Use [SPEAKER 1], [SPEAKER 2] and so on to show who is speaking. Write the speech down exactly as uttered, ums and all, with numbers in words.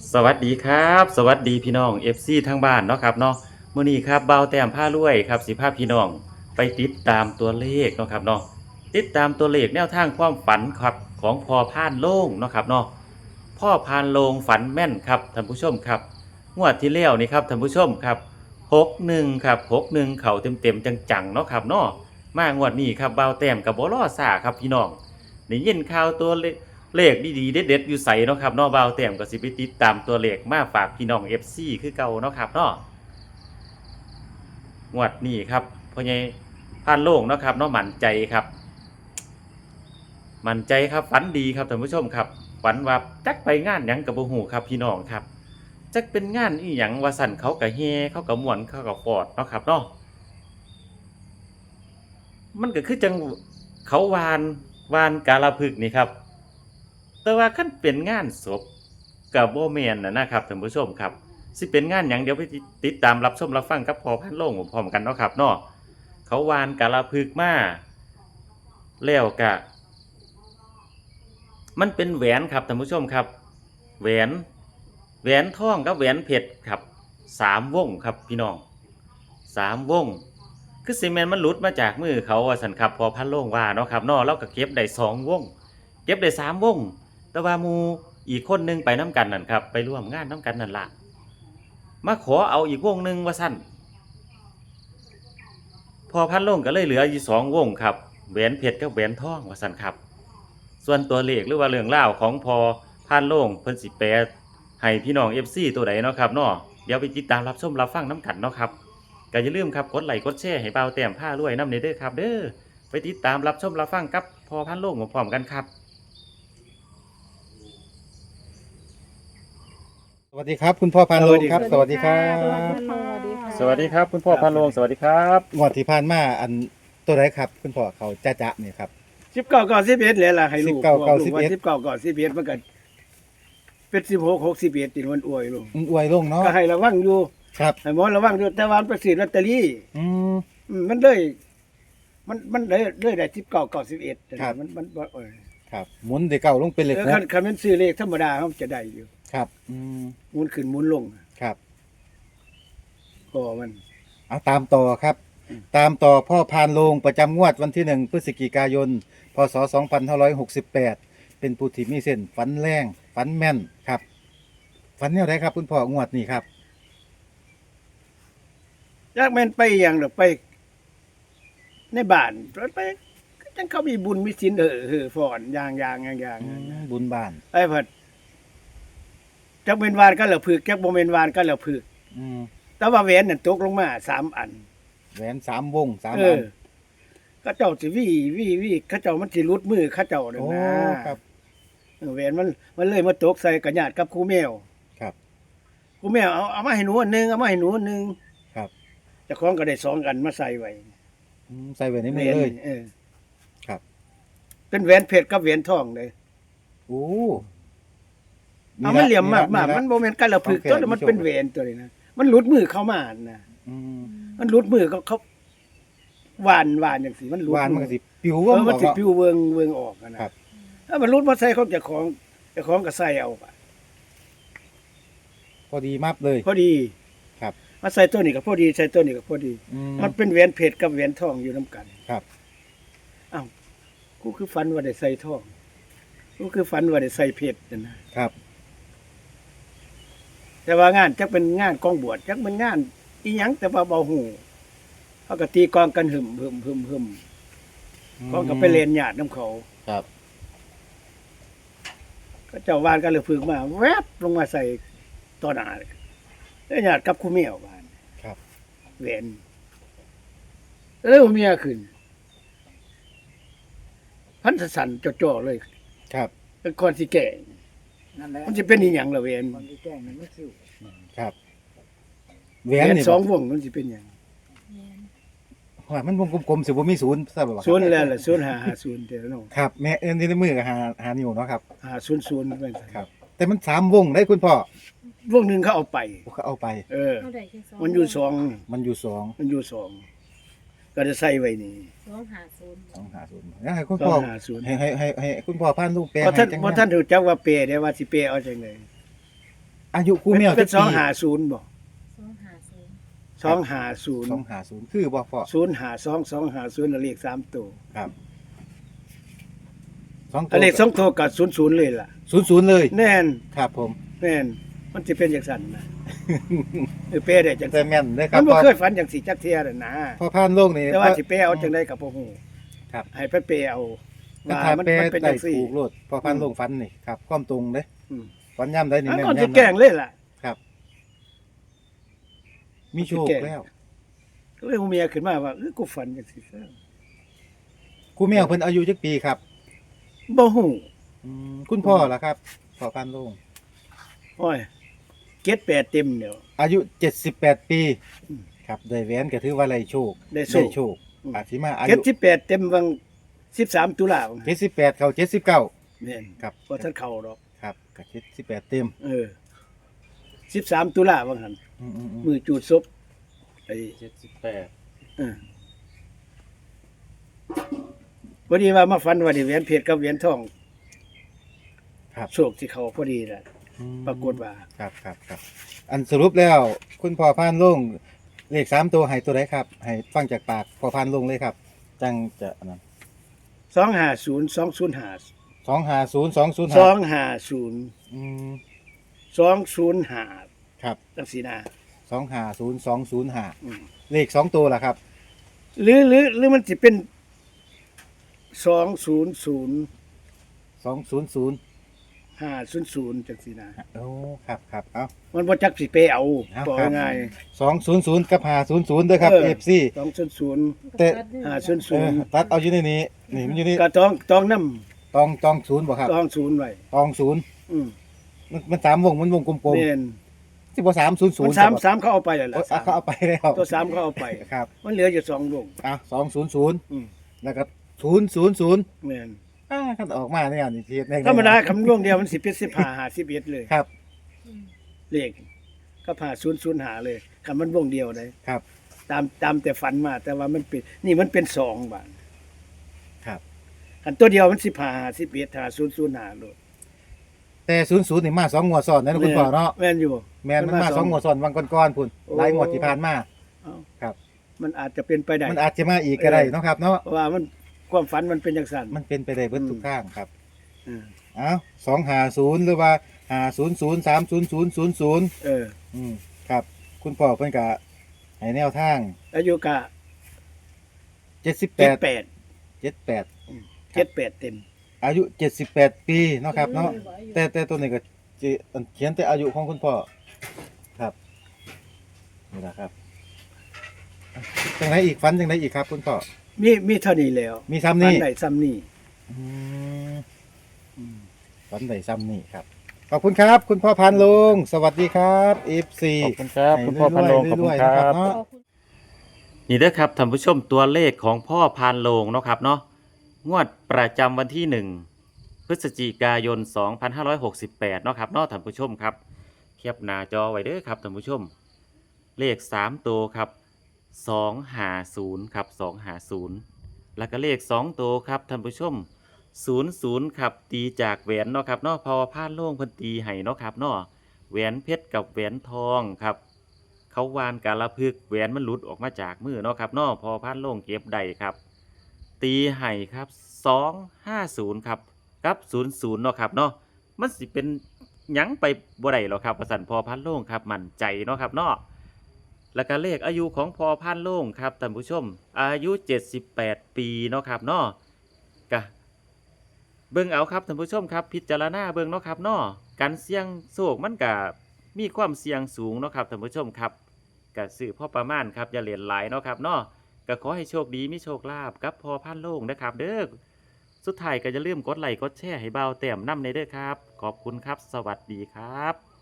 [SPEAKER 1] สวัสดีครับสวัสดีพี่น้อง เอฟ ซี ทางบ้านเนาะครับเนาะมื้อนี้ครับเบาแต้มผ้ารวยครับสิพาพี่น้องไปติดตามตัวเลขเนาะครับเนาะติดตามตัวเลขแนวทางความฝันครับของพ่อพานโล่งเนาะครับเนาะพ่อพานโลงฝันแม่นครับท่านผู้ชมครับงวดที่แล้วนี่ครับท่านผู้ชมครับหกหนึ่งครับหกหนึ่งเข่าเต็มๆจังๆเนาะครับเนาะมางวดนี้ครับเบาแต้มกับบ่รอซ่าครับพี่น้องได้ยินข่าวตัวเลข เลขดีๆเด็ดๆอยู่ใสเนาะครับเนาะบ่าวแต้มก็สิไปติดตามตัวเลขมาฝากพี่น้อง เอฟ ซี คือเก่าเนาะครับเนาะงวดนี้ครับพ่อใหญ่พานโล่งเนาะครับเนาะมั่นใจครับมั่นใจครับฝันดีครับท่านผู้ชมครับฝันว่าจักไปงานหยังกับบ่ฮู้ครับพี่น้องครับจักเป็นงานอีหยังว่าสั่นเขาก็แฮ่เขาก็ม่วนเขาก็ฟอดเนาะครับเนาะมันก็คือจังเขาวานวานกาฬผึกษ์นี่ครับ แต่ว่าคันเป็นงานศพกับบ่แม่นน่ะนะครับท่านผู้ชมครับสิเป็นงานหยังเดี๋ยวไปติติดตามรับชมรับฟังกับพอพันโลงพร้อมๆกันเนาะครับเนาะเขาวานกาฬผึกษ์มาแล้วก็มันเป็นแหวนครับท่านผู้ชมครับแหวนแหวนทองกับแหวนเพชรครับสามวงครับพี่น้องสามวงคือซีเมนต์มันหลุดมาจากมือเขาว่าสันครับพอพันโลงว่าเนาะครับเนาะเราก็เก็บได้สองวงเก็บได้สามวง แต่ว่าหมูอีกคนหนึงไปน้ำกันนั่นครับไปร่วมงานน้ำกันนั่นละมาขอเอาอีกวงหนึ่งว่าสั้นพอพันลงก็เลยเหลืออยู่สองวงครับแหวนเพชรกับแหวนทองว่าสั้นครับส่วนตัวเลขหรือว่าเรื่องเล่าวของพอพันลงเพิ่นสิแปลให้พี่น้องเอฟซีตัวใดเนาะครับเนาะเดี๋ยวไปติดตามรับชมรับฟังน้ำกันเนาะครับก็อย่าลืมครับกดไลค์กดแชร์ให้เบาแต้มผ้ารวยน้ำเนเด้อครับเด้อไปติดตามรับชมรับฟังกับพอพันลงพร้อมๆกันครับ
[SPEAKER 2] สวัสดีครับคุณพ่อพานโลงครับ สวัสดีครั
[SPEAKER 3] สวัส
[SPEAKER 2] บ
[SPEAKER 3] ดีค่ะสวัสดีค่ะ
[SPEAKER 1] สวัสดีครับคุณพ่อพันโลงสวัสดีครับ
[SPEAKER 2] งวดที่ผ่านมาอันตัวไหนครับ คุณพ่อเขาจ้าจะเนี่ยครับ
[SPEAKER 4] สิบเก้าก่อนสิบเอ็ดเลยล่ะให้ลูก
[SPEAKER 2] สิบเก้าก่อน
[SPEAKER 4] ลู
[SPEAKER 2] สิบ
[SPEAKER 4] ว่า
[SPEAKER 2] เอ็ด
[SPEAKER 4] สิบเก้าก่อนสิบเอ็ดมันก็เป็นสิบหกหกสิบเอ็ดติมันอวยลูก
[SPEAKER 2] อืมอวยลงเนาะ
[SPEAKER 4] ก็ให้ระวังอยู่
[SPEAKER 2] ครับ
[SPEAKER 4] ให้หมอระวังอยู่แต่ว่ามันไปซื้อลอตเตอรี่
[SPEAKER 2] อืม
[SPEAKER 4] อืมมันเลยมันมันเลยเลยได้สิบเก้าก่อนสิบเอ็ด
[SPEAKER 2] ครับ
[SPEAKER 4] มันมันบ่เออ
[SPEAKER 2] ครับหมุนเด็กเก่าลงเป็นเหล็ก
[SPEAKER 4] เออ
[SPEAKER 2] ห
[SPEAKER 4] คัน
[SPEAKER 2] ก
[SPEAKER 4] คันมันซื้อเลขธรรมดาเขาจะได้อยู่
[SPEAKER 2] ครับอืม
[SPEAKER 4] หมุนขึ้นหมุนลง
[SPEAKER 2] ครับ
[SPEAKER 4] ก็มัน
[SPEAKER 2] เอาตามต่อครับ ตามต่อพ่อพานโลงประจำงวดวันที่หนึ่งพฤศจิกายนพศสองพันห้าร้อยหกสิบแปดเป็นผู้ที่มีเส้นฝันแรงฝันแม่นครับฝันแนวไหนครับ คุณพ่องวดนี้ครับ
[SPEAKER 4] ยากแม่นไปอย่างดอกไป ในบ้านไปจังเขามีบุญมีศีลเออเออฟ้อนอย่างอย่างอย่างอย่าง
[SPEAKER 2] อืมบุญบ้าน
[SPEAKER 4] ไอ้เพิ่นจักเป็นวานก็เหลือผึกจักบ่แม่นวานก็เหลือผึก
[SPEAKER 2] อืม
[SPEAKER 4] แต่ว่าแหวนนั่นตกลงมาสามอัน
[SPEAKER 2] แหวนสามวงสาม
[SPEAKER 4] เอ
[SPEAKER 2] อั
[SPEAKER 4] อน เขาเจ้าสิวี่วี่วี่เขาเจ้ามันสิรุดมือเขาเจ้านั่น
[SPEAKER 2] โอ้
[SPEAKER 4] นะครับ เออแหวนมันมันเลยมาตกใส่กระญาติกับครูแมว
[SPEAKER 2] ครับ
[SPEAKER 4] ครูแมวเอาเอามาให้หนูอันหนึงเอามาให้หนูอันหนึง
[SPEAKER 2] ครับ
[SPEAKER 4] เจ้าของก็ได้สองอันมาใส่ไว้
[SPEAKER 2] อืมใส่ไว้ใน
[SPEAKER 4] แหว
[SPEAKER 2] มือน เลย
[SPEAKER 4] เออ
[SPEAKER 2] ครับ
[SPEAKER 4] เป็นแหวนเพชรกับแหวนทองเลย
[SPEAKER 2] โอ้
[SPEAKER 4] เอามันเหลี่ยมมากมาก
[SPEAKER 2] ละ
[SPEAKER 4] มันบ่แม่นกันละผึก
[SPEAKER 2] โอเค
[SPEAKER 4] ตัวนั้นมันเป็นแหวนตัวนี้นะมันหลุดมือเข้ามานะ
[SPEAKER 2] อืม
[SPEAKER 4] มันหลุดมือเขาเขาหวานหวานจังซี่มันหลุด
[SPEAKER 2] วานมัน
[SPEAKER 4] มื
[SPEAKER 2] ก็
[SPEAKER 4] อ
[SPEAKER 2] สิปิว
[SPEAKER 4] เอ
[SPEAKER 2] ว่า
[SPEAKER 4] อมันสิ
[SPEAKER 2] ออก
[SPEAKER 4] ปิวเวิงเวิงออกอะนะครับ ถ้ามันรุดมาใส่เขาเจะของเจะของก็ใส่เอาไป
[SPEAKER 2] พอดีมับเลย
[SPEAKER 4] พอดี
[SPEAKER 2] ครับ
[SPEAKER 4] มาใส่ตัวนี้ก็พอดีใส่ตัวนี้ก็พอดี
[SPEAKER 2] อืม
[SPEAKER 4] มันเป็นแหวนเพชรกับแหวนทองอยู่นํกัน
[SPEAKER 2] ครับ
[SPEAKER 4] อ้าวกูคือฝันว่าได้ใส่ทองกูคือฝันว่าได้ใส่เพชรนั่นนะครับ แต่ว่างานจักเป็นงานกองบวชจักเป็นงานอีหยังแต่ว่าเบาหูเขาก็ตีกลองกันหึมหึมหึมหึมกองก็ไปเล่นญาตินํเขา
[SPEAKER 2] ครับ
[SPEAKER 4] ก็เจ้าวานก็เลยพึงมาแวบลงมาใส่ต่อหน้าเลยแล้วญาติกับคู่เมียวบ้าน
[SPEAKER 2] ครับ
[SPEAKER 4] แหวนแล้วเมียขึ้น พันธสันจ่อๆเลย
[SPEAKER 2] ครับ
[SPEAKER 4] เป็นคนสิแก่
[SPEAKER 3] นั่นแหละ
[SPEAKER 4] มันจะเป็นอีหยังล่ะแหวน
[SPEAKER 3] คนที่แจ้งมันไม่คิว
[SPEAKER 2] ครับแห
[SPEAKER 4] แห
[SPEAKER 2] ว
[SPEAKER 4] วน น
[SPEAKER 2] นี่
[SPEAKER 4] สองวงมันสิเป็นหยัง
[SPEAKER 2] ว่ามันวงกลมๆสิบ่มีศูนย์ทราบบ่ครับ
[SPEAKER 4] ศูนย์แล้วล่ะศูนย์ห้าห้าศูนย์เด้อเนาะ
[SPEAKER 2] ครับแม่เอิ้นที่ในมือก็หาหานิ้วเนาะครับ
[SPEAKER 4] ห้าศูนย์ศูนย์เป็น
[SPEAKER 2] ครับ แต่มันสามวงได้คุณพ่อ
[SPEAKER 4] วงหนึงเขาเอาไป
[SPEAKER 2] เขาเอาไป
[SPEAKER 4] เออ
[SPEAKER 3] เท่าไหร่แค่สอง
[SPEAKER 4] มันอยู่สอง
[SPEAKER 2] มันอยู่สอง
[SPEAKER 4] มันอยู่สองก็จะใส่ไว้นี่
[SPEAKER 3] สองหาศูนย์
[SPEAKER 2] สองหาศูนย์งั้นให้คุณ
[SPEAKER 4] สอ
[SPEAKER 2] พ่อง
[SPEAKER 4] ห้าศูนย์
[SPEAKER 2] ให้ให้ให้ให้คุณพ่อพานลูกแปล
[SPEAKER 4] เพราะท่าน
[SPEAKER 2] ให้จัง
[SPEAKER 4] เพราะท่านรู้จักว่าเปรเด้ว่าสิเปรเอาจังได๋
[SPEAKER 2] ออายุครูแมว
[SPEAKER 4] เป็
[SPEAKER 2] จั
[SPEAKER 4] น
[SPEAKER 2] ก
[SPEAKER 4] สอง
[SPEAKER 2] ปี
[SPEAKER 4] ห้าศูนย์บ่
[SPEAKER 3] สองห้าศูนย์
[SPEAKER 4] สองห้าศูนย์
[SPEAKER 2] สองห้าศูนย์คือบ่พ่อ
[SPEAKER 4] ศูนย์ห้าสอง สองห้าศูนย์เลขสามตัว
[SPEAKER 2] ครับสองตั
[SPEAKER 4] อัน
[SPEAKER 2] ว
[SPEAKER 4] เลขสองตัวก็ศูนย์ศูนย์เลยล่ะ
[SPEAKER 2] ศูนย์ศูนย์เลย
[SPEAKER 4] แน่น
[SPEAKER 2] ครับผม
[SPEAKER 4] แม่นมันสิเป็นจังซั่นนะ เออเป้ได้จัง
[SPEAKER 2] แต่
[SPEAKER 4] ซั่น
[SPEAKER 2] แม่นเลยครั
[SPEAKER 4] มั
[SPEAKER 2] บ
[SPEAKER 4] นบ่
[SPEAKER 2] พ่อ
[SPEAKER 4] เคยฝันจังสิจักเที่ยน่ะนะ
[SPEAKER 2] พ่อพานโลกนี่
[SPEAKER 4] แต่ว่าสิเป้เอาจังได๋ก็บ่ฮู้
[SPEAKER 2] ครับ
[SPEAKER 4] ให้เพิ่นเป้เอา
[SPEAKER 2] มัน
[SPEAKER 4] ว่า
[SPEAKER 2] ถ้า
[SPEAKER 4] มัน
[SPEAKER 2] แปล
[SPEAKER 4] มันเป็น
[SPEAKER 2] ได้
[SPEAKER 4] จังซี่
[SPEAKER 2] ถูกโลดพ่อพานโลกฟันนี่ครับความตรงเด้
[SPEAKER 4] อืม
[SPEAKER 2] ฟันย่ำได้นี่
[SPEAKER 4] อัน
[SPEAKER 2] แม่น
[SPEAKER 4] ก็สิ
[SPEAKER 2] ย่ำ
[SPEAKER 4] แกล้งเลยล่ะ
[SPEAKER 2] ครับ มีโชค
[SPEAKER 4] สิแกล้ง
[SPEAKER 2] แล้ว
[SPEAKER 4] ก็เลยฮู้เมียขึ้นมาว่าเออกูฝันจังซี่ซะ
[SPEAKER 2] ครูแมวเพิ่นอายุจักปีครับ
[SPEAKER 4] บ่ฮู้
[SPEAKER 2] อืมคุณพ่อล่ะครับพ่อพานโลก
[SPEAKER 4] โอ้ยเจ็ดแปดเต็มเดี๋ยว
[SPEAKER 2] อายุเจ็ดสิบแปดปี
[SPEAKER 4] อืม
[SPEAKER 2] ครับได้แหวนก็ถือว่าไรโชค
[SPEAKER 4] ได้โชค
[SPEAKER 2] โชค
[SPEAKER 4] อืม
[SPEAKER 2] อาจสิมาอา
[SPEAKER 4] เจ็ด
[SPEAKER 2] ยุ
[SPEAKER 4] สิบแปดเต็มวังสิบสามตุลาคม
[SPEAKER 2] เจ็ดสิบแปดเข้าเจ็ดสิบเก้า
[SPEAKER 4] แม่น
[SPEAKER 2] ครับ
[SPEAKER 4] บ่ทันเข้าดอก
[SPEAKER 2] ครับก็เจ็ดสิบแปดเต็ม
[SPEAKER 4] เออสิบสามตุลาว่าหั่น
[SPEAKER 2] อืมอืมอืม
[SPEAKER 4] มือจูดศพไอ้
[SPEAKER 1] เจ็ดสิบแปด
[SPEAKER 4] เออพอดีว่ามาฝันว่าได้เหรียญเพชรกับเหรียญทอง
[SPEAKER 2] ครับ
[SPEAKER 4] โชคที่เขาพอดีน่ะ
[SPEAKER 2] อืม
[SPEAKER 4] ปรากฏว่า
[SPEAKER 2] ครับครับครับอันสรุปแล้ว คุณพ่อพานลงเลขสามตัวให้ตัวไหนครับ ให้ฟังจากปากพ่อพานลงเลยครับ จังจะอันนั้น
[SPEAKER 4] สองห้าศูนย์ สองศูนย์ห้า
[SPEAKER 2] สองห้าศูนย์สองศูนย์
[SPEAKER 4] ส
[SPEAKER 2] ห้า
[SPEAKER 4] องห้าศูนย์
[SPEAKER 2] อืม
[SPEAKER 4] สองศูนย์ห้า
[SPEAKER 2] ครับ
[SPEAKER 4] จังซี่นะ
[SPEAKER 2] สองห้าศูนย์สองศูนย์ห้า
[SPEAKER 4] อืม
[SPEAKER 2] เลขสองตัวล่ะครับ
[SPEAKER 4] หรือหรือหรือมันสิเป็นสองศูนย์ศูนย์
[SPEAKER 2] สองศูนย์ศูนย์
[SPEAKER 4] ห้าศูนย์ศูนย์จังซี่นะ
[SPEAKER 2] โอ้ครับครับเอา
[SPEAKER 4] มันบ่จักสิไปเอา
[SPEAKER 2] เอา
[SPEAKER 4] บอก
[SPEAKER 2] ครับ
[SPEAKER 4] ง่าย
[SPEAKER 2] สองศูนย์ศูนย์กับห้าศูนย์ศูนย์ด้วยครับ
[SPEAKER 4] เออ
[SPEAKER 2] เอฟซี
[SPEAKER 4] สองศูนย์ศูนย์
[SPEAKER 2] แต่
[SPEAKER 4] ห้าศูนย์
[SPEAKER 2] เอ
[SPEAKER 4] ศูน
[SPEAKER 2] อ
[SPEAKER 4] ย์
[SPEAKER 2] ตัดเอาอยู่ในนี้นี่มันอยู่นี่
[SPEAKER 4] ก็ต้องต้องนำ
[SPEAKER 2] ตองตองศูนย์บ่ครับ
[SPEAKER 4] ต้องศูนย์ไว้
[SPEAKER 2] ตองศูนย์
[SPEAKER 4] อืม
[SPEAKER 2] มันมันสามวงมันวงกลม
[SPEAKER 4] แม่น
[SPEAKER 2] ๆที่บ่สามศูนย์ศู
[SPEAKER 4] มัน น
[SPEAKER 2] ย์
[SPEAKER 4] สามสามเขาเอาไปแล้วล่ะ
[SPEAKER 2] เขาเอาไปแล้ว
[SPEAKER 4] ตัวสามเขาเอาไป
[SPEAKER 2] ครับ
[SPEAKER 4] มันเหลืออยู่สองวง
[SPEAKER 2] อ่ะสองศูนย์ศูนย์
[SPEAKER 4] อืม
[SPEAKER 2] แล้วก็ศูนย์ศูนย์ศูนย์
[SPEAKER 4] แม่น
[SPEAKER 2] อ่าคันออกมาเนี่ยนี่ทีใน
[SPEAKER 4] ธรรมดาคำนวณเดียวมันสิเป็นสิบห้าหาสิบเอ็ดเลย
[SPEAKER 2] ครับ
[SPEAKER 4] เลขก็ผ่าศูนย์ศูนย์หาเลยคำมันวงเดียวเลย
[SPEAKER 2] ครับ
[SPEAKER 4] ตามตามแต่ฝันมา แต่ว่ามันเป็นนี่มันเป็นสองบาท
[SPEAKER 2] ครับ
[SPEAKER 4] อันตัวเดียวมันสิบห้าหาสิบเอ็ดหาศูนย์ศูนย์หาเลย
[SPEAKER 2] แต่ศูนย์ศูนย์นี่มาสองงวดซ้อนนะคุณพ่อเนาะ
[SPEAKER 4] แม่นอยู่
[SPEAKER 2] แม่นมันมาสองงวดซ้อนวันก่อนๆพุ่น
[SPEAKER 4] โอ้
[SPEAKER 2] หลายงวดที่ผ่านมา
[SPEAKER 4] เอ้า
[SPEAKER 2] ครับ
[SPEAKER 4] มันอาจจะเป็นไปได้
[SPEAKER 2] มันอาจจะมาอีกก็ได้เนาะครับเนาะ
[SPEAKER 4] เพราะว่ามันความฝันมันเป็นอย่างสั้น
[SPEAKER 2] มันเป็นไปได้เบิด
[SPEAKER 4] อืม
[SPEAKER 2] ทุกข้างครับ
[SPEAKER 4] อืม
[SPEAKER 2] เอ้าสองห้าศูนย์หรือว่าห้าศูนย์ศูนย์สามศูนย์ศูนย์ศูนย์ศูนย์
[SPEAKER 4] เออ
[SPEAKER 2] อืมครับ คุณพ่อเพิ่นก็ให้แนวทาง
[SPEAKER 4] อายุกะ
[SPEAKER 2] เจ็ดสิบแป
[SPEAKER 4] เจ็ด
[SPEAKER 2] ด
[SPEAKER 4] แปด
[SPEAKER 2] เจ็ดแปด
[SPEAKER 4] เจ็ดแปดเต็ม
[SPEAKER 2] อายุเจ็ดสิบแปดปีเนาะครับเนาะแต่แต่ตัวนี้ก็จิอันเขียนแต่อายุของคุณพ่อครับนี่แหละครับจังไรอีกฟันจังไรอีกครับ คุณพ่อ
[SPEAKER 4] มีมีเท่านี้แล้ว
[SPEAKER 2] มีซ้ำ
[SPEAKER 4] ฝัน
[SPEAKER 2] นี่
[SPEAKER 4] ไหนซ้ำนี่
[SPEAKER 2] อืมฟันไหนซ้ำนี่ครับขอบคุณครับ คุณพ่อพันลงสวัสดีครับเอฟซี
[SPEAKER 1] ขอบคุณครับ คุณพ่อพันโลงขอบคุณครับ นี่เด้อครับท่านผู้ชมตัวเลขของพ่อพานโลงเนาะครับเนาะงวดประจำวันที่หนึ่งพฤศจิกายน สองพันห้าร้อยหกสิบแปดเนาะครับเนาะท่านผู้ชมครับแคปหน้าจอไว้เด้อครับท่านผู้ชม เลขสามตัวครับสองห้าศูนย์ครับสองห้าศูนย์แล้วก็เลขสองตัวครับท่านผู้ชมศูนย์ศูนย์ครับตีจากแหวนเนาะครับเนาะพอพานโล่งเพิ่นตีให้เนาะครับเนาะแหวนเพชรกับแหวนทองครับ เขาวานกาละพึกษ์แหวนมันหลุดออกมาจากมือเนาะครับเนาะพอพันโล่งเก็บได้ครับ ตีไห้ครับสองห้าศูนย์ครับกับศูนย์ศูนย์เนาะครับเนาะมันสิเป็นหยังไปบ่ได้หรอกครับประสันพอพันโล่งครับมั่นใจเนาะครับเนาะแล้วก็เลขอายุของพอพันโล่งครับท่านผู้ชม อายุเจ็ดสิบแปดปีเนาะครับเนาะกะเบิ่งเอาครับท่านผู้ชมครับพิจารณาเบิ่งเนาะครับเนาะการเสี่ยงโชคมันกะมีความเสี่ยงสูงเนาะครับท่านผู้ชมครับกะซื้อพอประมาณครับอย่าเหรียญหลายเนาะครับเนาะก็ขอให้โชคดีมีโชคลาภกับพอพันโล่งนะครับเด้อสุดท้ายก็อย่าลืมกดไลค์กดแชร์ให้เบาแต้มนำในเด้อครับขอบคุณครับสวัสดีครับ